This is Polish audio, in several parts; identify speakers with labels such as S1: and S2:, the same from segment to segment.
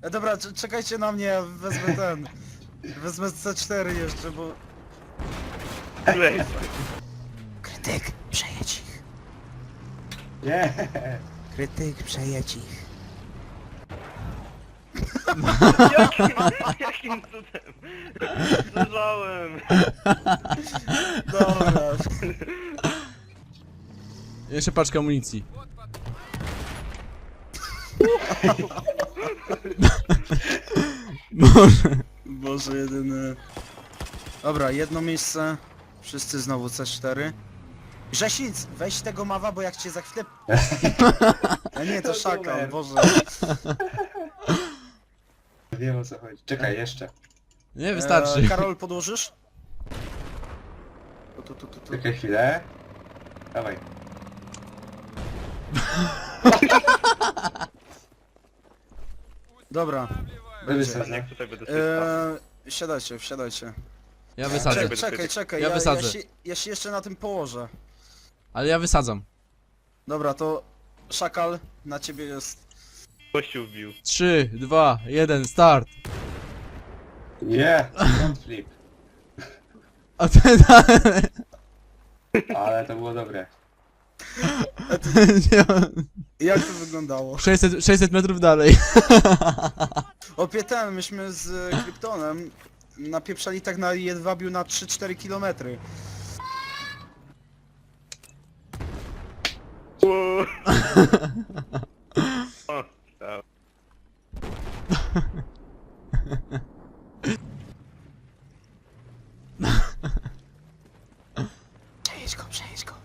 S1: Dobra, czekajcie na mnie, ja wezmę ten. Wezmę C4 jeszcze, bo... Krytyk, przejedź ich.
S2: Nie.
S1: Krytyk, przejedź ich.
S3: Jakim cudem? Zdążałem.
S1: Dobra.
S4: Jeszcze paczka amunicji. Boże.
S1: Boże, jedyny... Dobra, jedno miejsce. Wszyscy znowu C4. Grzesic, weź tego mawa, bo jak cię za chwilę... A nie, to szakal, Boże.
S2: Wiem o co chodzi. Czekaj, jeszcze.
S4: Nie, wystarczy.
S1: Karol, podłożysz? Tu.
S2: Czekaj chwilę. Dawaj.
S1: Dobra.
S2: Wysadzę.
S3: Jak tutaj będę sobie stał.
S1: Wsiadajcie.
S4: Ja wysadzę.
S1: Czekaj,
S4: Ja wysadzę.
S1: ja się jeszcze na tym położę.
S4: Ale ja wysadzam.
S1: Dobra, to szakal na ciebie jest.
S3: Kościół wbił.
S4: 3, 2, 1, start.
S2: Nie! Front flip.
S4: A ty
S2: Ale to było dobre.
S1: Jak to wyglądało?
S4: 600 metrów dalej.
S1: Opie myśmy z Kryptonem napieprzali tak na jedwabiu na 3-4 kilometry.
S3: O, tak.
S1: Przejedź go.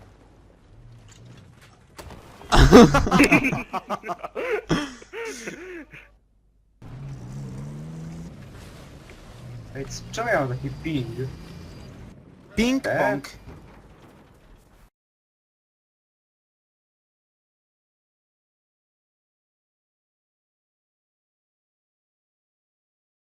S2: Ej, czemu ja mam taki ping?
S1: Ping pong.